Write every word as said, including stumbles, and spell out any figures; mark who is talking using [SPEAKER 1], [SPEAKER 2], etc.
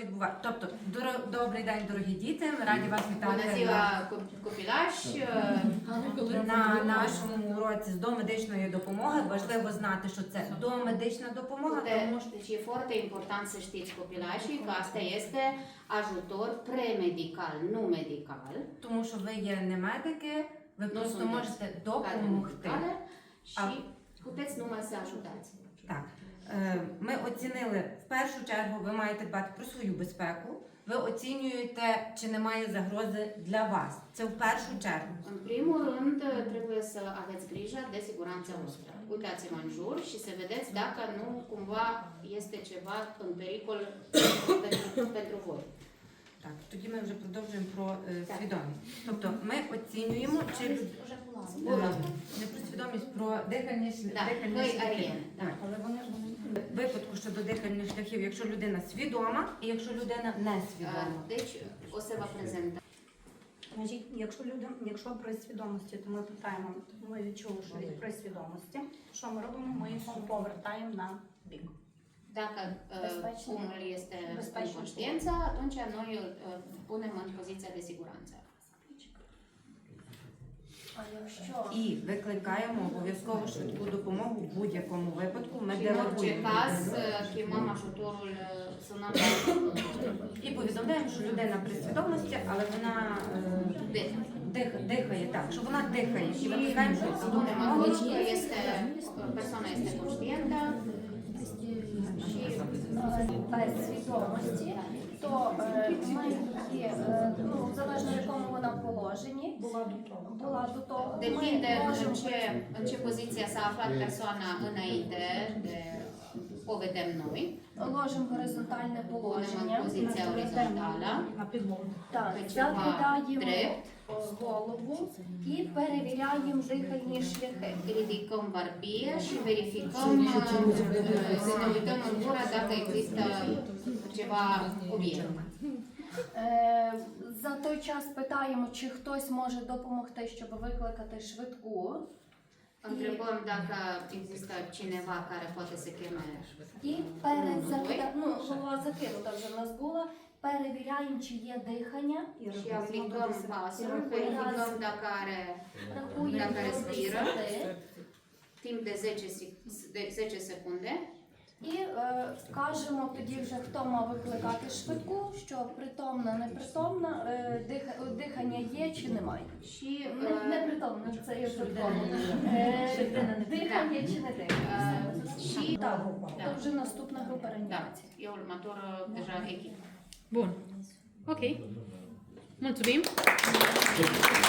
[SPEAKER 1] відбувається. Тобто, доро- добрий день, дорогі діти. Ми раді вас
[SPEAKER 2] Bună
[SPEAKER 1] вітати на,
[SPEAKER 2] ziua, copilași!
[SPEAKER 1] на нашому уроці з домедичної допомоги. Важливо знати, що це домедична допомога, тому що
[SPEAKER 2] Deci e foarte important să știți, copilașii, că asta este ajutor premedical, nu medical.
[SPEAKER 1] тому що ви є не медики, ви
[SPEAKER 2] Nu
[SPEAKER 1] просто
[SPEAKER 2] sunteți
[SPEAKER 1] можете
[SPEAKER 2] cadre
[SPEAKER 1] допомогти.
[SPEAKER 2] medicale și puteți numai să ajutați.
[SPEAKER 1] Так, е, ми оцінили, в першу чергу ви маєте дбати про свою безпеку. Ви оцінюєте, чи немає загрози для вас. Це в першу чергу.
[SPEAKER 2] În primul rând, trebuie să aveți grijă de siguranța voastră. Uitați-vă în jur și să vedeți dacă nu cumva este ceva în pericol pentru, pentru voi.
[SPEAKER 1] Так, тоді ми вже продовжуємо про е, свідомість. Тобто ми оцінюємо, чи люд- е, не про свідомість, про дихальні, шлях-
[SPEAKER 2] Так,
[SPEAKER 1] дихальні
[SPEAKER 2] ви
[SPEAKER 1] шляхи.
[SPEAKER 2] арієни, так.
[SPEAKER 1] Так. В випадку щодо дихальних шляхів, якщо людина свідома і якщо людина не свідома.
[SPEAKER 2] Deci, o să vă prezentăm.
[SPEAKER 3] Значить, якщо люди, якщо при свідомості, то ми питаємо, ми відчули, що від при свідомості, що ми робимо? Ми їх повертаємо на бік.
[SPEAKER 2] Dacă uh,
[SPEAKER 3] Bezpечно.
[SPEAKER 2] omul este în
[SPEAKER 3] Bezpечно.
[SPEAKER 2] conștiință, atunci noi îl uh, punem în poziția de siguranță.
[SPEAKER 3] А якщо
[SPEAKER 1] І викликаємо обов'язково швидку допомогу в будь-якому випадку. Ми
[SPEAKER 2] Și în orice
[SPEAKER 1] делегуємо
[SPEAKER 2] caz, uh, chemăm ajutorul, uh, sunăm la
[SPEAKER 1] і повідомляємо, що людина при свідомості, але вона е,
[SPEAKER 2] de.
[SPEAKER 1] дих, дихає так, що вона дихає. І викликаємо швидку
[SPEAKER 2] Spunem
[SPEAKER 1] допомогу.
[SPEAKER 2] atunci că este, persoana este conștientă și
[SPEAKER 3] без свідомості, то е, ми її, е, ну, залежно в якому вона положенні, була до того, була до того, ми
[SPEAKER 2] depinde în
[SPEAKER 3] можемо
[SPEAKER 2] ce, în ce poziție s-a aflat persoana înainte de o vedem noi.
[SPEAKER 3] ложимо горизонтальне
[SPEAKER 2] Punem în
[SPEAKER 3] положення,
[SPEAKER 2] poziția orizontală,
[SPEAKER 3] на підлогу. Так,
[SPEAKER 2] pe ceva
[SPEAKER 3] закидаємо
[SPEAKER 2] drept,
[SPEAKER 3] голову і перевіряємо дихальні шляхи.
[SPEAKER 2] ridicăm barbie și verificăm, uh, să ne uităm în gură dacă există ceva obiect.
[SPEAKER 3] Е, За той час питаємо, чи хтось може допомогти, щоб викликати швидку.
[SPEAKER 2] Întrebăm dacă există cineva care poate să cheme.
[SPEAKER 3] І перед закида... ну, голова закинута вже в нас була. Перевіряємо, чи є дихання.
[SPEAKER 2] Și aplicăm pasul, verificăm dacă are
[SPEAKER 3] Рахуємо
[SPEAKER 2] Dacă
[SPEAKER 3] до
[SPEAKER 2] respiră.
[SPEAKER 3] десяти.
[SPEAKER 2] timp de zece, sec- de zece secunde
[SPEAKER 3] І е, кажемо тоді вже, хто мав викликати швидку, що притомна, непритомна, е, диха... дихання є чи немає.
[SPEAKER 2] și
[SPEAKER 3] Не,
[SPEAKER 2] uh,
[SPEAKER 3] непритомна, це є притомна. Е, Дихання чи не дихання.
[SPEAKER 2] uh, și
[SPEAKER 3] Так,
[SPEAKER 2] Da.
[SPEAKER 3] це вже наступна група
[SPEAKER 2] da,
[SPEAKER 3] реанімації.
[SPEAKER 2] e următoră deja echipă.
[SPEAKER 4] Bun. Ok. Mulțumim.